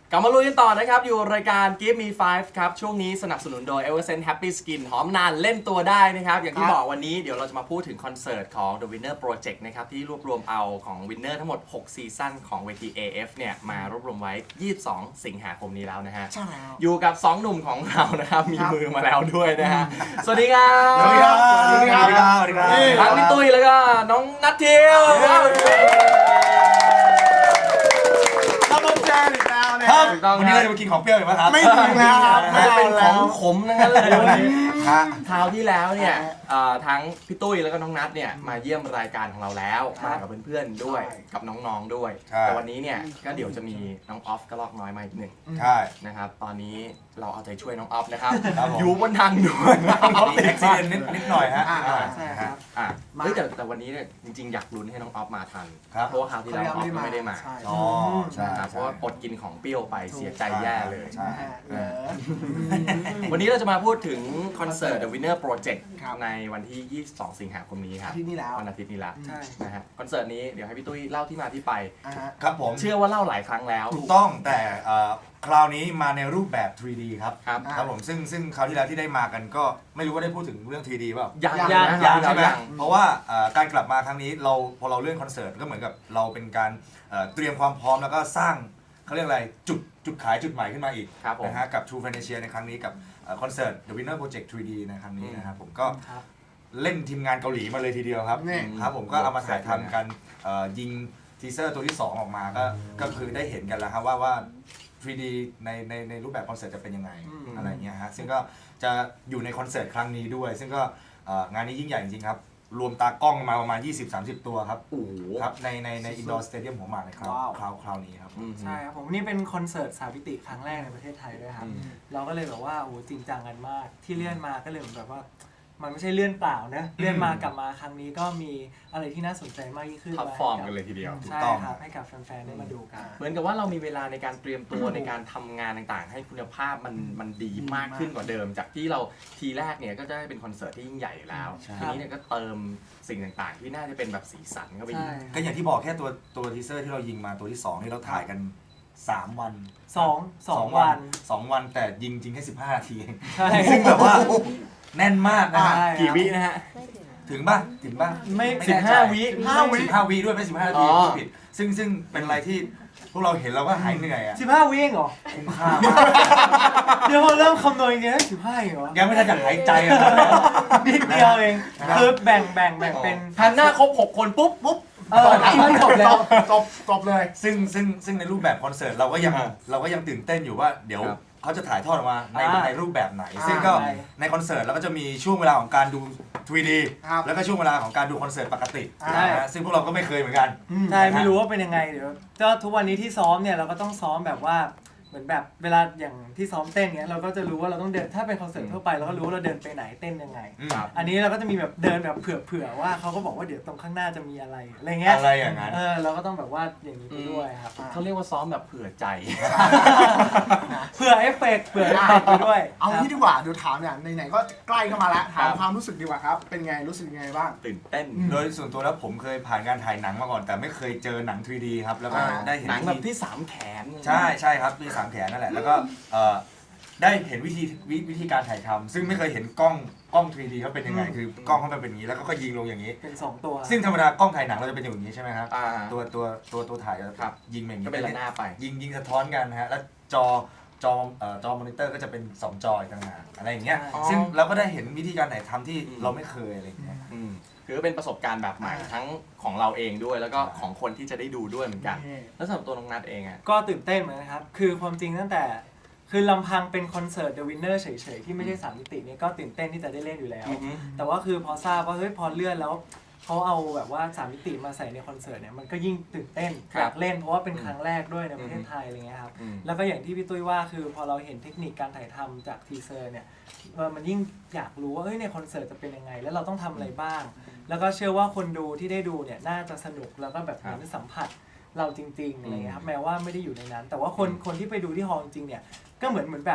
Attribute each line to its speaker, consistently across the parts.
Speaker 1: กลับมาลุยกันต่อนะครับอยู่รายการ Give Me 5ครับช่วงนี้สนับสนุนโดย Eversense Happy Skin หอมนานเล่นตัวได้นะครับอย่างที่บอกวันนี้เดี๋ยวเราจะมาพูดถึงคอนเสิร์ตของ The Winner Project นะครับที่รวบรวมเอาของ Winner ทั้งหมด6ซีซั่นของเวที AF เนี่ยมารวบรวมไว้22สิงหาคมนี้แล้วนะฮะ
Speaker 2: ใช่แล้ว
Speaker 1: อยู่กับ2หนุ่มของเรานะครับมีมือมาแล้วด้วยนะฮะสวัสดีครับ
Speaker 2: สวัสดีครับสวัสดีครับสวัสดีครับ
Speaker 1: ทั้งพี่ตุ้ยแล้วก็น้องนัททิว
Speaker 2: ครับวันนี้เราจะมากินของเปรี้ยวอีกไหมครับ
Speaker 3: ไม่ถึงแล้วครับ
Speaker 1: ไม่เป็นของขมนั่นเลยวันนี้
Speaker 2: ฮะ
Speaker 1: คราวที่แล้วเนี่ยทั้งพี่ตุ้ยแล้วก็น้องนัทเนี่ยมาเยี่ยมรายการของเราแล้วมากับเพื่อนๆด้วยกับน้องๆด้วยแต่วันนี้เนี่ยก็เดี๋ยวจะมีน้องออฟกระลอกน้อยมาอีกหนึ่ง
Speaker 2: ใช่
Speaker 1: นะครับตอนนี้เราเอาใจช่วยน้องออฟนะครับ
Speaker 2: ครับผม
Speaker 1: อยู่บนทางด่วนรถ
Speaker 2: มี
Speaker 1: ติด
Speaker 2: อุบิเหตุนิดหน่อยฮะ
Speaker 3: ใช่ครับ
Speaker 1: เฮ้ยแต่วันนี้เนี่ยจริงๆอยากลุ้นให้น้องออฟมาทัน
Speaker 2: ครับ
Speaker 1: เพราะว่าคราวที่แล้วออฟก็ไม่ได้มา
Speaker 2: อ๋อใช่
Speaker 1: นะครับเพราะว่าอดกินของเปรี้ยวไปเสียใจแย่เลย
Speaker 2: ใช่
Speaker 1: วันนี้เราจะมาพูดถึงคอนเสิร์ต The Winner Project
Speaker 3: ครับ
Speaker 1: ในวันที่ 22 สิงหาคมนี้ครับ
Speaker 3: ที่นี่แล้ว
Speaker 1: วันอาทิตย์นี้แล้ว
Speaker 3: ใช่
Speaker 1: นะฮะคอนเสิร์ตนี้เดี๋ยวให้พี่ตุ้ยเล่าที่มาที่ไป
Speaker 2: ครับผม
Speaker 1: เชื่อว่าเล่าหลายครั้งแล้ว
Speaker 2: ถูกต้องแต่คราวนี้มาในรูปแบบ 3D ครับ
Speaker 1: ครับ
Speaker 2: ครับผมซึ่งคราวที่แล้วที่ได้มากันก็ไม่รู้ว่าได้พูดถึงเรื่อง 3D เปล่า
Speaker 1: ยัง
Speaker 3: ยัง
Speaker 1: นะ
Speaker 2: ยังใช่ไหม
Speaker 1: ยัง
Speaker 2: เพราะว่าการกลับมาครั้งนี้พอเราเลื่อนคอนเสิร์ตก็เหมือนกับเราเป็นการเตรียมความพร้อมแล้วก็สร้างเขาเรียกอะไรจุดขายจุดใหม่ขึ้นมาอีก
Speaker 1: ครับผม
Speaker 2: นะฮะกับ True Financial ในครั้งนี้กับคอนเสิร์ต The Winner Project 3D ในครั้งนี้นะครับผมก็เล่นทีมงานเกาหลีมาเลยทีเดียวครับ
Speaker 3: นี่
Speaker 2: ครับผมก็เอามาถ่ายทำกันยิงทีเซอร์ตัวที่ 2 ออกมาก็คือได้เห็นกันแล้วครับว่า 3D ในรูปแบบคอนเสิร์ตจะเป็นยังไงอะไรเงี้ยฮะซึ่งก็จะอยู่ในคอนเสิร์ตครั้งนี้ด้วย ซึ่งก็งานนี้ยิ่งใหญ่จริงๆครับรวมตากล้องมาประมาณ 20-30 ตัวครับ
Speaker 1: โอ้โห
Speaker 2: ครับในอินดอร์สเตเดียมของมาในคราวนี้ครับ
Speaker 4: ใช่ครับผมนี่เป็นคอนเสิร์ตสามมิติครั้งแรกในประเทศไทยด้วยครับเราก็เลยแบบว่าโอ้จริงจังกันมากที่เลื่อนมาก็เลยเหมือนแบบว่ามันไม่ใช่เลื่อนเปล่านะเลื่อนมากลับมาครั้งนี้ก็มีอะไรที่น่าสนใจมากยิ่งขึ้น
Speaker 1: ท็อปฟอร์มกันเลยทีเดียว
Speaker 4: ใช่ครับให้กับแฟนๆได้มาดูกัน
Speaker 1: เหมือนกับว่าเรามีเวลาในการเตรียมตัวในการทำงานต่างๆ ให้คุณภาพมันดีมากขึ้นกว่าเดิม จากที่เราทีแรกเนี่ยก็จะได้เป็นคอนเสิร์ตที่ยิ่งใหญ่อยู่แล้ว
Speaker 2: ใช่
Speaker 1: ทีนี้เนี่ยก็เติมสิ่งต่างๆ ที่น่าจะเป็นแบบสีสันเข้าไปอีก
Speaker 4: ใช่
Speaker 2: ก็อย่างที่บอกแค่ตัวทีเซอร์ที่เรายิงมาตัวที่2ที่เราถ่ายกัน3 วัน
Speaker 4: สองวัน
Speaker 2: 2 วันแต่ยิงจริงแค่15 นาทีเอง
Speaker 4: ใช่
Speaker 2: ซึ่งแบบว่าแน่นมากนะฮะ
Speaker 4: ใช่
Speaker 1: กี่วินะฮะ
Speaker 2: ถึงป่ะ
Speaker 4: ไม่
Speaker 2: แน่ใจ
Speaker 1: 15 วิ
Speaker 2: 15 วิด้วยไม่15 นาที
Speaker 1: อ๋อ
Speaker 2: ผิดซึ่งเป็นอะไรที่พวกเราเห็นเราก็หายเหนื่อยอ่ะ
Speaker 4: 15 วิเองเหรอ
Speaker 2: คุ้มค่ามาก
Speaker 4: เดี๋ยวพอเริ่มคำนวณอย่างเงี้ย15เองเหรอ
Speaker 2: ยังไม่ทันจะหายใจอ่ะ
Speaker 4: นิดเดียวเองคือแบ่งเป็น
Speaker 1: ทันหน้าครบ6 คนปุ๊บ
Speaker 4: ไม่จบแล้ว
Speaker 3: จบเลย
Speaker 2: ซึ่งในรูปแบบคอนเสิร์ตเราก็ยังตื่นเต้นอยู่ว่าเดี๋ยว
Speaker 1: ครับ
Speaker 2: เขาจะถ่ายทอดออกมาใน
Speaker 4: อ่า
Speaker 2: ในรูปแบบไหน ซึ่งก็
Speaker 4: ใช่
Speaker 2: ในคอนเสิร์ตเราก็จะมีช่วงเวลาของการดู 3D
Speaker 3: ครับ
Speaker 2: แล้วก็ช่วงเวลาของการดูคอนเสิร์ตปกติ
Speaker 4: ใช่
Speaker 2: นะฮะซึ่งพวกเราก็ไม่เคยเหมือนกัน
Speaker 4: ใช่ไม่รู้ว่าเป็นยังไงเดี๋ยวก็ทุกวันนี้ที่ซ้อมเนี่ยเราก็ต้องซ้อมแบบว่าเหมือนแบบเวลาอย่างที่ซ้อมเต้นเนี้ยเราก็จะรู้ว่าเราต้องเดินถ้าเป็นคอนเสิร์ตทั่วไปเราก็รู้ว่าเราเดินไปไหนเต้นยังไง
Speaker 1: ครับ
Speaker 4: อันนี้เราก็จะมีแบบเดินแบบเผื่อว่าเขาก็บอกว่าเดี๋ยวตรงข้างหน้าจะมีอะไรอะไรเงี้ย
Speaker 2: อะไรอย่างนั้น
Speaker 4: เราก็ต้องแบบว่าอย่างนี้ไปด้วยครับ
Speaker 1: เขาเรียกว่าซ้อมแบบเผื่อใจ
Speaker 4: เผื่อเอฟเฟกต์เผื่อเอฟเฟกต์ไปด้วย
Speaker 3: เอางี้ดีกว่าเดี๋ยวถามเนี่ยไหนๆก็ใกล้เข้ามาแล้วถาม
Speaker 1: ครับ
Speaker 3: ความรู้สึกดีกว่าครับ เป็นไงรู้สึกยังไงบ้าง
Speaker 1: ตื่นเต้น
Speaker 2: โดยส่วนตัวแล้วผมเคยผ่านการถ่ายหนังมาก่อน แต่ไม่เคยเจอหนัง 3D ครับแล้วก็
Speaker 3: อ่า
Speaker 2: ได้เห็น
Speaker 1: หนังแบบที่3แขน
Speaker 2: ใช่ครับมี3 แขนนั่นแหละแล้วก็ได้เห็นวิธีการถ่ายทำซึ่งไม่เคยเห็นกล้อง 3D เขาเป็นยังไงคือกล้องเขาเป็นอย่างนี้แล้วก็ยิงลงอย่างนี้
Speaker 4: เป็น2ตัว
Speaker 2: ซึ่งธรรมดากล้องถ่ายหนังเราจะเป็นอย่างนี้ใช่ไหมครับ
Speaker 1: อ่า
Speaker 2: ตัวถ่ายจะ
Speaker 1: ครับ
Speaker 2: ยิงอย่างนี้
Speaker 1: ก็เป็นระนาบไป
Speaker 2: ยิงสะท้อนกันนะฮะแล้วจอมอนิเตอร์ก็จะเป็น2 จออีกต่างหากอะไรอย่างเงี้ย
Speaker 1: อ๋อ
Speaker 2: ซึ่งเราก็ได้เห็นวิธีการถ่ายทำที่
Speaker 1: อืม
Speaker 2: เราไม่เคยอะไรอย่างเงี้ย
Speaker 1: คือเป็นประสบการณ์แบบใหม่ทั้งของเราเองด้วยแล้วก็ของคนที่จะได้ดูด้วยเหมือนกัน แล้วสำหรับตัวน้องนัทเองอ่ะ
Speaker 4: ก็ตื่นเต้นเหมือนกันครับคือความจริงตั้งแต่คือลำพังเป็นคอนเสิร์ต The Winner เฉยๆที่ไม่ใช่3มิติเนี่ยก็ตื่นเต้นที่จะได้เล่นอยู่แล้ว
Speaker 1: อือฮึ
Speaker 4: แต่ว่าคือพอทราบว่าเฮ้ยพอเลื่อนแล้วเขาเอาแบบว่า3มิติมาใส่ในคอนเสิร์ตเนี่ยมันก็ยิ่งตื่นเต้นอยากเล่นเพราะว่าเป็นครั้งแรกด้วยในประเทศไทยอะไรเงี้ยครับ แล้วก็อย่างที่พี่ตุ้ยว่าคือพอเราเห็นเทคนิคการถ่ายทำจากทีเซอร์เนี่ยมันยิ่งอยากรู้ว่าเฮ้ยในคอนเสิร์ตจะเป็นยังไง แล้วเราต้องทำอะไรบ้าง แล้วก็เชื่อว่าคนดูที่ได้ดูเนี่ยน่าจะสนุกแล้วก็แบบเหมือนสัมผัสเราจริงๆอะไรเงี้ยครับแม้ว่าไม่ได้อยู่ในนั้น แต่ว่าคนที่ไปดูที่ฮอลล์จริงๆเนี่ยก็เหมือนแบบ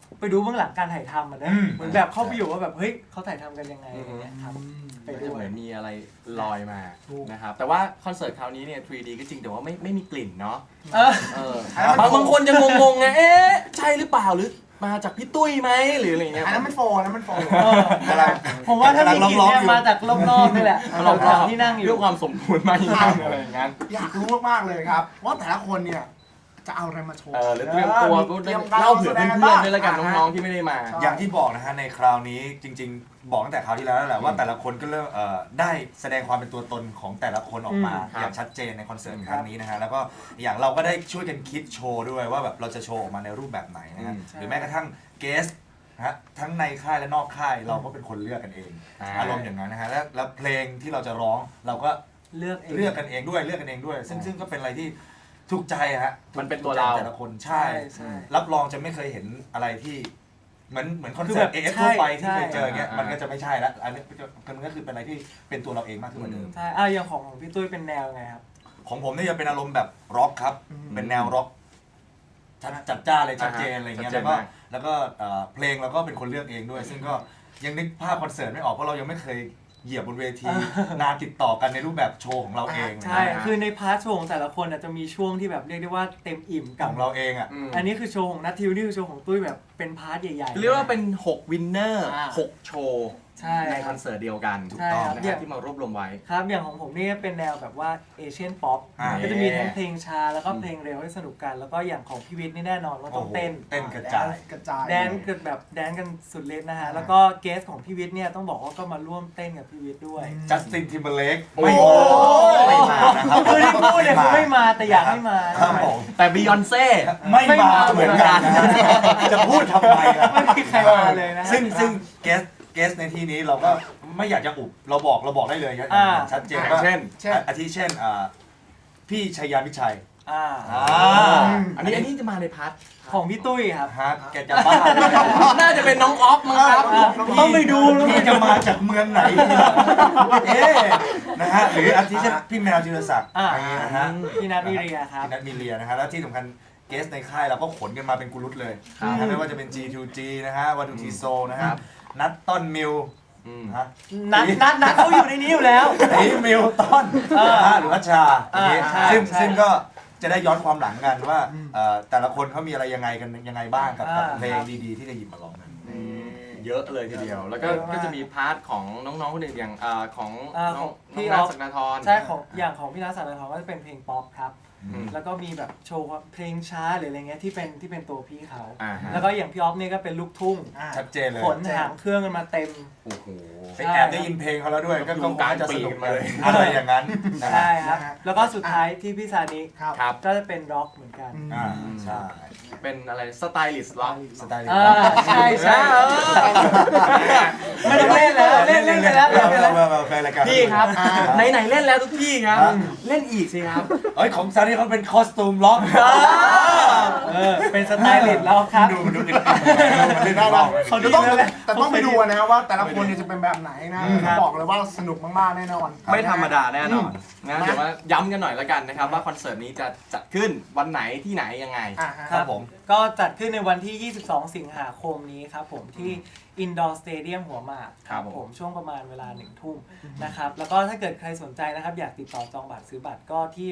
Speaker 4: ไปดูเบื้องหลังการถ่ายทำอ่ะนะเหมือนแบบเข้าไปอยู่ว่าแบบเฮ้ยเขาถ่ายทำกันยังไงอะไรเงี้ยครับไป
Speaker 1: ก็
Speaker 4: ด้
Speaker 1: จะ
Speaker 4: ว
Speaker 1: เห
Speaker 4: ย
Speaker 1: มือนมีอะไรลอยมา
Speaker 3: ถูก
Speaker 1: นะครับแต่ว่าคอนเสิร์ตคราวนี้เนี่ย 3D ก็จริงแต่ว่าไม่มีกลิ่นเนาะ
Speaker 4: เออ
Speaker 1: บางคนจะงงๆไงเอ๊ะใช่หรือเปล่าหรือมาจากพี่ตุ้ยไหมหรืออะไรเงี้ย
Speaker 3: อันนั้นมันโฟนะมันโฟ
Speaker 4: ผมว่าถ้ามีกลิ่นเนี่ยมาจากรอบๆนี่แหละ
Speaker 1: เรา
Speaker 4: แถวๆที่นั่งอยู่
Speaker 1: เรื่องความสมบูรณ์มากยิ่งขึ้นอะไรอย่างนั้น
Speaker 3: อยากรู้มากๆเลยครับ ว่าแต่ละคนเนี่ยจะเอาอะไรมาโชว์
Speaker 1: หรือเตรียมตัวก็
Speaker 3: เตรียมการ
Speaker 1: เล่าเผื่อเพื่อนๆด้วยแล้วกัน
Speaker 3: อ่าฮะ
Speaker 1: น้องๆที่ไม่ได้มา
Speaker 3: ใช่
Speaker 2: อย่างที่บอกนะฮะในคราวนี้จริง ๆ บอกตั้งแต่คราวที่แล้วแหละว่าแต่ละคนก็เริ่มได้แสดงความเป็นตัวตนของแต่ละคนออกมา
Speaker 1: ครับ
Speaker 2: อย่างชัดเจนในคอนเสิร์ตครั้งนี้นะฮะแล้วก็อย่างเราก็ได้ช่วยกันคิดโชว์ด้วยว่าแบบเราจะโชว์ออกมาในรูปแบบไหนนะฮะหรือแม้กระทั่งเกสนะฮะทั้งในค่ายและนอกค่ายเราก็เป็นคนเลือกกันเอง อารมณ์อย่างนั้นนะฮะแล้วเพลงที่เราจะร้องเราก็
Speaker 4: เลือกเอง
Speaker 2: เลือกกันเองด้วยซึ่งก็เป็นอะไรที่ถูกใจฮะ
Speaker 1: มันเป็นตัวเรา
Speaker 2: แต่ละคนใช่
Speaker 4: ใช่
Speaker 2: รับรองจะไม่เคยเห็นอะไรที่เหมือนคอน
Speaker 4: คือ
Speaker 2: เสิ
Speaker 4: แบ
Speaker 2: ร์ต
Speaker 4: บ
Speaker 2: เอฟทั่วไปที่
Speaker 4: ใช่
Speaker 2: เคยเจออย่างเงี้ย
Speaker 1: อ่ามั
Speaker 2: มันก็จะไม่ใช่ละอันนี้มันก็คือเป็นอะไรที่เป็นตัวเราเองมากขึ้นกว่าเดิม
Speaker 4: ใช่อย่างของพี่ตุ้ยเป็นแนวไงครับ
Speaker 2: ของผมเนี่ยจะเป็นอารมณ์แบบร็อกครับ เป็นแนวร็อกจัดจ้านเลยชัดเจนอะไรเงี้ย
Speaker 1: ชัดเจนมาก
Speaker 2: แล้วก็เพลงเราก็เป็นคนเลือกเองด้วย ซึ่งก็ยังนึกภาพคอนเสิร์ตไม่ออกเพราะเรายังไม่เคยเหยียบบนเวทีนานติดต่อกันในรูปแบบโชว์ของเราเอง
Speaker 4: ใช่
Speaker 2: นะฮะ
Speaker 4: คือในพาร์ทโชว์ของแต่ละคนน่ะจะมีช่วงที่แบบเรียกได้ว่าเต็มอิ่ม
Speaker 2: ข
Speaker 4: กับ
Speaker 2: องเราเองอ่ะ
Speaker 4: อันนี้คือโชว์ของนัททิวนี่คือโชว์ของตุ้ยแบบเป็นพาร์ทใหญ่ๆ
Speaker 1: เรียกว่าเป็น6วินเนอร์
Speaker 3: อ่า
Speaker 1: 6โชว์
Speaker 4: ใช่
Speaker 1: ในคอนเสิร์ตเดียวกัน
Speaker 4: ใช่ครับ
Speaker 1: นะครับที่มารวบรวมไว้
Speaker 4: ครับอย่างของผมนี่เป็นแนวแบบว่าเอเชียนป๊อป
Speaker 2: อ่า
Speaker 4: ก็จะมีทั้งเพลงช้าแล้วก็เพลงเร็วให้สนุกกัน แล้วก็อย่างของพี่วิทย์นี่แน่นอนว่าต้องเต้น
Speaker 2: เต้นกระจาย
Speaker 3: กระจาย
Speaker 4: แดนกันแบบแดนกันสุดฤทธิ์นะฮะแล้วก็เกสของพี่วิทย์เนี่ยต้องบอกว่าก็มาร่วมเต้นกับพี่วิทย์ด้วย
Speaker 2: จัสตินทิมเบอร์เลก
Speaker 1: โอ้
Speaker 2: ไม่มานะครับ
Speaker 4: คือที่พูดเนี่ยคือไม่มาแต่อยากให้มา
Speaker 2: ครับผม
Speaker 1: แต่บียอนเซ่
Speaker 2: ไม่มาเหมือนกันนะจะพูดทำไมล่ะ
Speaker 4: ไม่มีใครมาเลยนะฮะ
Speaker 2: ซึ่งเกสในที่นี้เราก็ไม่อยากจะอุบเราบอกได้เลย
Speaker 4: อ่า
Speaker 2: ชัดเจน
Speaker 1: อย่าง
Speaker 2: ว่า
Speaker 1: เช่น
Speaker 2: อาทิเช่นพี่ชัยยามิชัย
Speaker 4: อ่า
Speaker 1: อันนี้จะมาในพาร์ท
Speaker 4: ของพี่ตุ้ยครับ
Speaker 2: ฮะแกจะบ้าเลย
Speaker 1: น่าจะเป็นน้องออฟมั้งครับ
Speaker 4: ต้องไปดู
Speaker 2: พี่จะมาจากเมืองไหนเอ๊ะนะฮะหรืออาทิเช่นพี่แมวจิรศักดิ์
Speaker 4: อ่า
Speaker 2: นะฮะ
Speaker 4: พี่นัทวิเรียครับ
Speaker 2: พี่นัทมีเรียนะฮะแล้วที่สำคัญเกสในค่ายเราก็ขนกันมาเป็นกุลุตเลย
Speaker 1: ครับ
Speaker 2: นะฮะไม่ว่าจะเป็น G2G นะฮะวัตถุทีโซนะฮะนัทต้นมิวนะฮะ
Speaker 4: นัทเขาอยู่ในนี้อยู่แล้ว
Speaker 2: ไอ้มิลตันนะฮะหรือว่าชาอย่างงี้
Speaker 4: ใช่
Speaker 2: ซึ่งก็จะได้ย้อนความหลังกันว่าแต่ละคนเขามีอะไรยังไงกันยังไงบ้างกับเพลงดีๆที่จะหยิบมาร้องกัน
Speaker 1: เยอะเลยทีเดียว แล้วก็
Speaker 4: เยอะมาก
Speaker 1: ก็จะมีพาร์ทของน้องๆคนอื่นอย่างของน้อง
Speaker 4: พี่
Speaker 1: นั
Speaker 4: อ
Speaker 1: ท
Speaker 4: อฟ
Speaker 1: ศักดาธร
Speaker 4: ใช่ของอย่างของพี่นัทสันติธรก็จะเป็นเพลงป๊อปครับ
Speaker 1: อืม
Speaker 4: แล้วก็มีแบบโชว์เพลงช้าหรืออะไรเงี้ยที่เป็นตัวพี่เขา
Speaker 1: อ่าฮะ
Speaker 4: แล้วก็อย่างพี่ออฟเนี่ยก็เป็นลูกทุ่ง
Speaker 2: ชัดเจนเลย
Speaker 4: ขนหางเครื่องกันมาเต็ม
Speaker 1: โอ้โห
Speaker 2: ไปแอบได้ยินเพลงเขาแล้วด้วยก็คงจะสนุก
Speaker 1: กลางปีมาเลย
Speaker 2: อะไรอย่างนั้นนะฮะ
Speaker 4: ใช่ครับ
Speaker 3: นะฮะ
Speaker 4: แล้วก็สุดท้ายที่พี่ซานิ
Speaker 3: ครับ
Speaker 1: ครับ
Speaker 4: ก็จะเป็นร็อกเหมือนกัน
Speaker 2: อ่าใช่
Speaker 1: เป็นอะไรสไตลิสต์ล็อก
Speaker 2: สไตล์
Speaker 4: อ่าใช่ใช่ ไม่ต้องเล่นแล้วเล่นไปแล้ว
Speaker 2: มาแฟนรายการ
Speaker 1: พี่ครับไหนๆเล่นแล้วทุกที่ครับ เล่นอีกสิครับ
Speaker 2: เอ้ยของซานี่เขาเป็นคอสตูมล็อก
Speaker 4: เป็นสไตลิสต์แล้วครับ
Speaker 2: ดูมันเล่นล็อก
Speaker 4: เขาดี
Speaker 3: แต่ต้องไปดูนะว่าแต่ละคนเนี่ยจะเป็นแบบไหนนะบอกเลยว่าสนุกมากๆแน่นอน
Speaker 1: ไม่ธรรมดาแน่นอนนะเดี๋ยวว่าย้ำกันหน่อยแล้วกันนะครับว่าคอนเสิร์ตนี้จะจัดขึ้นวันไหนที่ไหนยังไง
Speaker 3: อ่ะฮะ
Speaker 2: ครับผม
Speaker 4: ก็จัดขึ้นในวันที่ 22 สิงหาคมนี้ครับผมที่ Indoor Stadium หัวหมาก
Speaker 1: ครับผม
Speaker 4: ช่วงประมาณเวลา 1 ทุ่มนะครับแล้วก็ถ้าเกิดใครสนใจนะครับอยากติดต่อจองบัตรซื้อบัตรก็ที่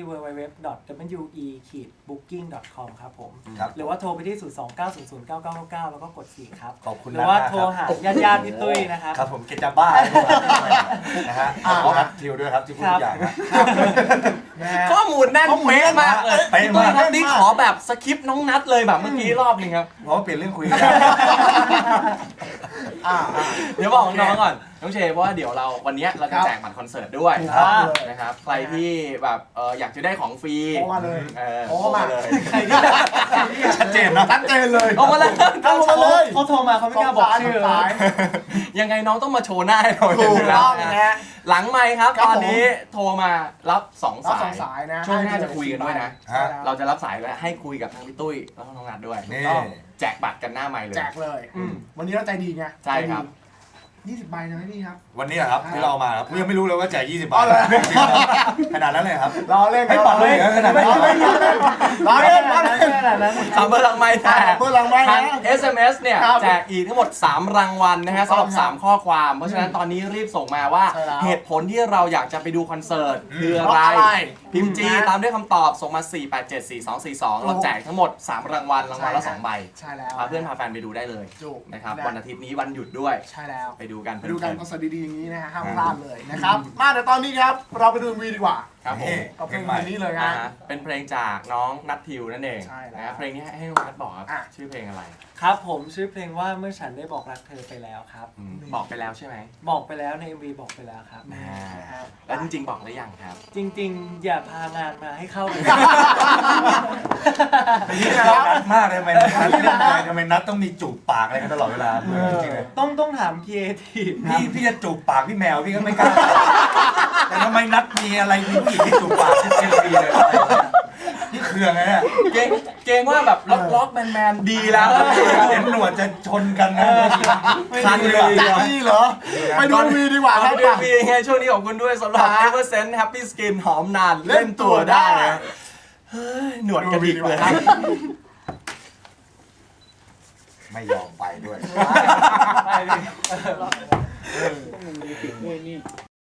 Speaker 4: www.we-booking.com ครับผม
Speaker 2: ครับ
Speaker 4: หรือว่าโทรไปที่ 029009999 แล้วก็กด 4 ครับ
Speaker 2: ขอบคุณ
Speaker 4: หรือว่า
Speaker 2: นะ
Speaker 4: โทรหาญาติๆพี่ตุ้ยนะครับ
Speaker 2: ครับผมเกจะบ้านะฮะขออัพทิวด้วยครับที่พูดทุกอย่างนะ
Speaker 3: นะฮะ
Speaker 1: ข้อมูลแน่นเป๊ะมากเลย
Speaker 2: เป๊ะ
Speaker 1: พี่
Speaker 2: มาก
Speaker 1: ตุ้ยครับนี่ขอแบบสคริปต์น้องนัดเลยแบบเมื่อกี้รอบหนึงครับ
Speaker 2: เพราะว่าเปลี่ยนเรื่องคุยกัน
Speaker 1: เดี๋ยวบอกน้องๆก่อนน้องเชฟเพราะว่าเดี๋ยวเราวันเนี้ยเราจะแจกบัตรคอนเสิร์ตด้วย
Speaker 3: ครับ
Speaker 1: นะครับใครที่แบบอยากจะได้ของฟรี
Speaker 3: โทรมาเลย
Speaker 1: โทรมาเลย
Speaker 4: ใครที่
Speaker 2: ชัดเจนนะ
Speaker 3: ชัดเจนเลย
Speaker 1: โทรมาเลย
Speaker 4: เขาโทรมาเขาไม่กล้าบอกชื่อ
Speaker 3: สาย
Speaker 1: ยังไงน้องต้องมาโชว์หน้าให้เรา
Speaker 3: ถู
Speaker 1: เห็น
Speaker 3: ก
Speaker 1: อยู่แล้
Speaker 3: ต้
Speaker 1: ว
Speaker 3: องนะฮะ
Speaker 1: หลังไมค์ครับ
Speaker 3: ครับ
Speaker 1: ตอนนี้โทรมารับสอง
Speaker 3: รับ
Speaker 1: สา
Speaker 3: สอย งสายนะ
Speaker 1: ช่วงหน้าจะคุยกันด้วยนะ
Speaker 2: ฮะ
Speaker 1: เราจะรับสายและให้คุยกับทั้งพี่ตุ้ยแล้วก็น้องนัดด้วย
Speaker 2: นี่
Speaker 3: ต้อง
Speaker 1: แจกบัตรกันหน้าไมค์เลย
Speaker 3: แจกเลย วันนี้เราใจดีไง
Speaker 1: ใช่ครับ
Speaker 3: 20 ใบนะพี่ครับ
Speaker 2: วันนี้เหรอครับที่เรามาครับยังไม่รู้เลยว่าแจก20 บา
Speaker 3: อ๋
Speaker 2: ท
Speaker 3: อเหรอ
Speaker 2: ขนาดนั้นเลยครับ
Speaker 3: รอเล่น
Speaker 2: ให้ปัดเลยเหรอขนาดนั้น
Speaker 3: รอเล่นรอเล่น
Speaker 4: นาดนั้น
Speaker 1: 3 เบอร์หลังไม้แต่
Speaker 3: เบอร์หลังไมค์นะ
Speaker 1: ทาง SMS เนี่ย
Speaker 3: ครับ
Speaker 1: แจกอีกทั้งหมด 3 รางวัลนะฮะสำหรับ
Speaker 3: ถูกต้องครับ
Speaker 1: 3 ข้อความ เพราะฉะนั้นตอนนี้รีบส่งมาว่า
Speaker 3: ใช่แล้ว
Speaker 1: เหตุผลที่เราอยากจะไปดูคอนเสิร์ตคืออะ
Speaker 3: เพราะอะไร
Speaker 1: ไร พิมพ์จี
Speaker 3: นะ
Speaker 1: ตามด้วยคำตอบส่งมา 4874242 เราแจกทั้งหมด 3 รางวัล รางวัลละ 2 ใบ
Speaker 3: ใช่แล้ว
Speaker 1: พาเพื่อนพาแฟนไปดูได้เลย
Speaker 3: ถูก
Speaker 1: นะครับ
Speaker 3: นะ
Speaker 1: วันอาทิตย์นี้วันหยุดด้วย
Speaker 3: ใช่แล้ว
Speaker 1: ไปดูกัน
Speaker 3: ไปดูกัน
Speaker 1: เพ
Speaker 3: ค
Speaker 1: ลิ
Speaker 3: อนเสิร์ตดีๆอย่างนี้นะฮะห้ามพลาดเลยนะครับ มาเดี๋ยวตอนนี้ครับ เราไปดูวีดีกว่า
Speaker 1: ครับผม
Speaker 3: กับเพลงนี้เลย
Speaker 1: อ่า
Speaker 3: ฮะ
Speaker 1: ฮะเป็นเพลงจากน้องนัททิวนั่นเอง
Speaker 3: ใช่แล้ว
Speaker 1: นะครับเพลงนี้ให้น้องนัทบอกครับ
Speaker 3: อ่ะ
Speaker 1: ชื่อเพลงอะไร
Speaker 4: ครับผมชื่อเพลงว่าเมื่อฉันได้บอกรักเธอไปแล้วครับ
Speaker 1: บอกไปแล้วใช่ไหม
Speaker 4: บอกไปแล้วใน MV บอกไปแล้วครับ
Speaker 1: แล้วจริงๆบอกหรือยังครับ
Speaker 4: จริงๆ อย่าพางานมาให้เข้าเลย
Speaker 2: นี่เรานัดมากเลยทำไมนัดทำไมนัดต้องมีจูบปากอะไรกันตลอดเวลาจริงๆเลย
Speaker 4: ต้องถามครีเอทีฟ
Speaker 2: พี่จะจูบปากพี่แมวพี่ก็ไม่กล้า แต่ทำไมนัดมีอะไรมีผู้หญิงที่จูบปากที่เจลบีเลยนี่เคืองไงเนี่ย
Speaker 1: เกรงว่าแบบล็อกแมนดีแล้ว
Speaker 2: เห็นหนวดจะชนกันนะ
Speaker 1: คันเลย
Speaker 3: จะนี่เหรอ ไปดูวีดีกว่าครับ
Speaker 1: เดือนปีไงช่วงนี้ขอบคุณด้วยสำหรับ Eversense Happy Skin หอมนาน
Speaker 3: เล่นตัวได้
Speaker 1: เฮ้ยหนวดกระดิกเลยครับ
Speaker 2: ไม่ยอมไปด้วย
Speaker 4: ไปเลย